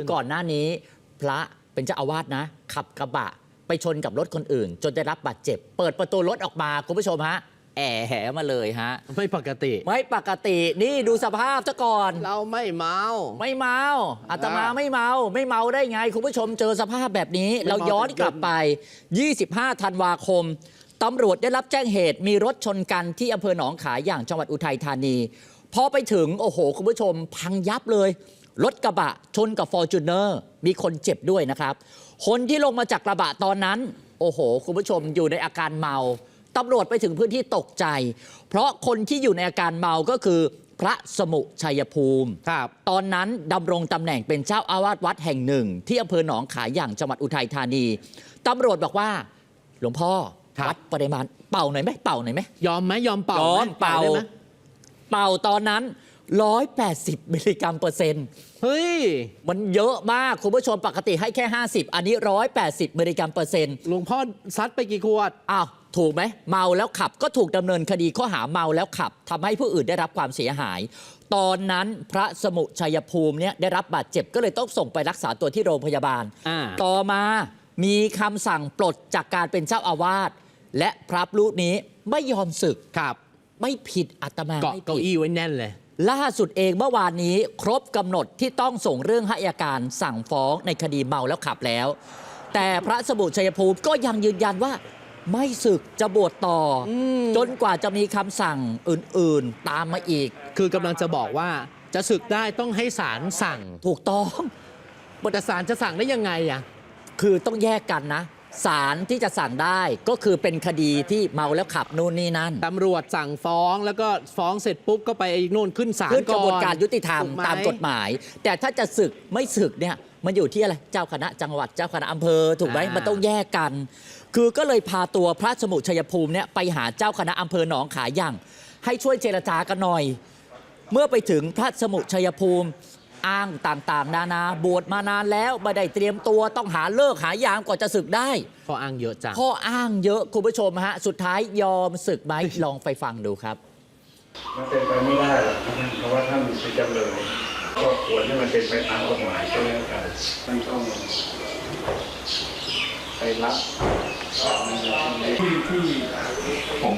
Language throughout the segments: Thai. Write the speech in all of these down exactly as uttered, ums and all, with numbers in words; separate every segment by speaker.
Speaker 1: ก่อนหน้านี้พระเป็นเจ้าอาวาสนะขับกระบะไปชนกับรถคนอื่นจนได้รับบาดเจ็บเปิดประตูรถออกมาคุณผู้ชมฮะแอะแหมาเลยฮะ
Speaker 2: ไม่ปกติ
Speaker 1: ไม่ปกตินี่ดูสภาพซะก่อน
Speaker 2: เราไม่เมา
Speaker 1: ไม่เมาอาตมาไม่เมาไม่เมาได้ไงคุณผู้ชมเจอสภาพแบบนี้เราย้อนกลับไปยี่สิบห้าธันวาคมตำรวจได้รับแจ้งเหตุมีรถชนกันที่อำเภอหนองขายอย่างจังหวัดอุทัยธานีพอไปถึงโอ้โหคุณผู้ชมพังยับเลยรถกระบะชนกับฟอร์จูเนอร์มีคนเจ็บด้วยนะครับคนที่ลงมาจากกระบะตอนนั้นโอ้โหคุณผู้ชมอยู่ในอาการเมาตำรวจไปถึงพื้นที่ตกใจเพราะคนที่อยู่ในอาการเมาก็คือพระสมุชัยภูมิ
Speaker 2: ครับ
Speaker 1: ตอนนั้นดำรงตำแหน่งเป็นเจ้าอาวาสวัดแห่งหนึ่งที่อำเภอหนองขายอย่างจังหวัดอุทัยธานีตำรวจบอกว่าหลวงพ่อวัดปริมาณเป่าหน่อยไหมเป่าหน่อยไหม
Speaker 2: ยอมไหมยอมเป่าย
Speaker 1: อมเป่าเป่าตอนนั้นหนึ่งร้อยแปดสิบมิลลิกรัมเปอร์เซ็นต์
Speaker 2: เฮ้ย
Speaker 1: มันเยอะมากคุณผู้ชมปกติให้แค่ห้าสิบอันนี้หนึ่งร้อยแปดสิบมิลลิกรัมเปอร์เซ็นต์
Speaker 2: หลวงพ่อซัดไปกี่ขวด
Speaker 1: อ้าวถูกไหมเมาแล้วขับก็ถูกดำเนินคดีข้อหาเมาแล้วขับทำให้ผู้อื่นได้รับความเสียหายตอนนั้นพระสมุชัยภูมิเนี่ยได้รับบาดเจ็บก็เลยต้องส่งไปรักษาตัวที่โรงพยาบาลต่อมามีคำสั่งปลดจากการเป็นเจ้าอาวาสและพระรูปนี้ไม่ยอมสึก
Speaker 2: ครับ
Speaker 1: ไม่ผิดอาตมา
Speaker 2: เกาะเก้าอี้ไว้แน่นเลย
Speaker 1: ล่าสุดเองเมื่อวานนี้ครบกำหนดที่ต้องส่งเรื่องให้อัยการสั่งฟ้องในคดีเมาแล้วขับแล้วแต่พระสมุชัยภูมิก็ยังยืนยันว่าไม่สึกจะบวชต่อจนกว่าจะมีคำสั่งอื่นๆตามมาอีก
Speaker 2: คือกำลังจะบอกว่าจะสึกได้ต้องให้ศาลสั่ง
Speaker 1: ถูกต้อง
Speaker 2: แต่ศาลจะสั่งได้ยังไงอ่ะ
Speaker 1: คือต้องแยกกันนะศาลที่จะสั่งได้ก็คือเป็นคดีที่เมาแล้วขับนู่นนี่นั่น
Speaker 2: ตำรวจสั่งฟ้องแล้วก็ฟ้องเสร็จปุ๊บก็ไปนู่นขึ้นศาลก่อน
Speaker 1: ขึ้นกระบวนการยุติธรรมตามกฎหมายแต่ถ้าจะสึกไม่สึกเนี่ยมันอยู่ที่อะไรเจ้าคณะจังหวัดเจ้าคณะอำเภอถูกไหมมันต้องแยกกันคือก็เลยพาตัวพระสมุชัยภูมิเนี่ยไปหาเจ้าคณะอำเภอหนองขายอย่างให้ช่วยเจรจากันหน่อยเมื่อไปถึงพระสมุชัยภูมิอ้างต่างๆนานาบวชมานานแล้วไม่ได้เตรียมตัวต้องหาเลิกหายามก่อนจะศึกได้
Speaker 2: ข้ออ้างเยอะจัง
Speaker 1: ข้ออ้างเยอะคุณผู้ชมฮะสุดท้ายยอมศึกไหมลองไปฟังดูครับ
Speaker 3: มันเป็นไปไม่ได้หรอกเพราะว่าท่านเป็นจำเลยก็ควรให้มันเป็นไปตามกฎหมายก็แล้วกันท่านต้องไปรับที่ที่ผม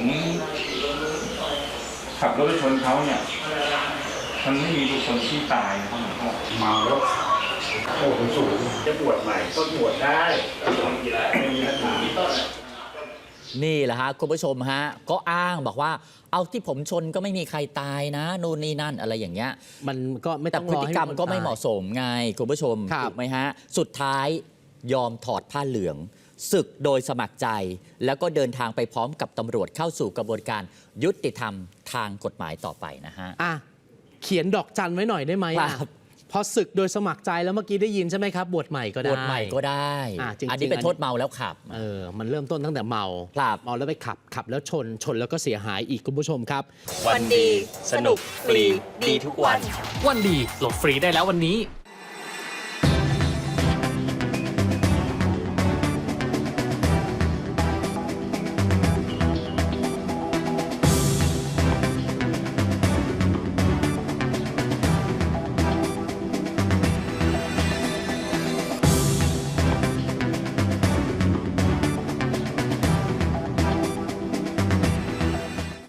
Speaker 3: ขับรถไปชนเขาเนี่ยมันไม่มีบุคคลที่ตายนะครับหลวงพ่อเมาแล้วโอ้โหสูงจะบวชใหม่ก็บวชได้ไม่มีปัญหา
Speaker 1: นี่แหละฮะคุณผู้ชมฮะก็อ้างบอกว่าเอาที่ผมชนก็ไม่มีใครตายนะนู่นนี่นั่นอะไรอย่างเงี้ย
Speaker 2: มันก็ไม่ต้อง
Speaker 1: แต่พฤติกรรมก็ไม่เหมาะสมไงคุณผู้ชมถูกไหมฮะสุดท้ายยอมถอดผ้าเหลืองศึกโดยสมัครใจแล้วก็เดินทางไปพร้อมกับตำรวจเข้าสู่กระบวนการยุติธรรมทางกฎหมายต่อไปนะฮะ
Speaker 2: อ่ะเขียนดอกจันไว้หน่อยได้ไหมพอศึกโดยสมัครใจแล้วเมื่อกี้ได้ยินใช่ไหมครับบวชใหม่ก็ได้
Speaker 1: บวชใหม่ก็ได้อันนี้เป็นโทษเมาแล้วขับ
Speaker 2: เออมันเริ่มต้นตั้งแต่เมาเมาแล้วไปขับขับแล้วชนชนแล้วก็เสียหายอีกคุณผู้ชมครับ
Speaker 4: วันดีสนุกฟรีดีทุกวัน
Speaker 5: วันดีโหลดฟรีได้แล้ววันนี้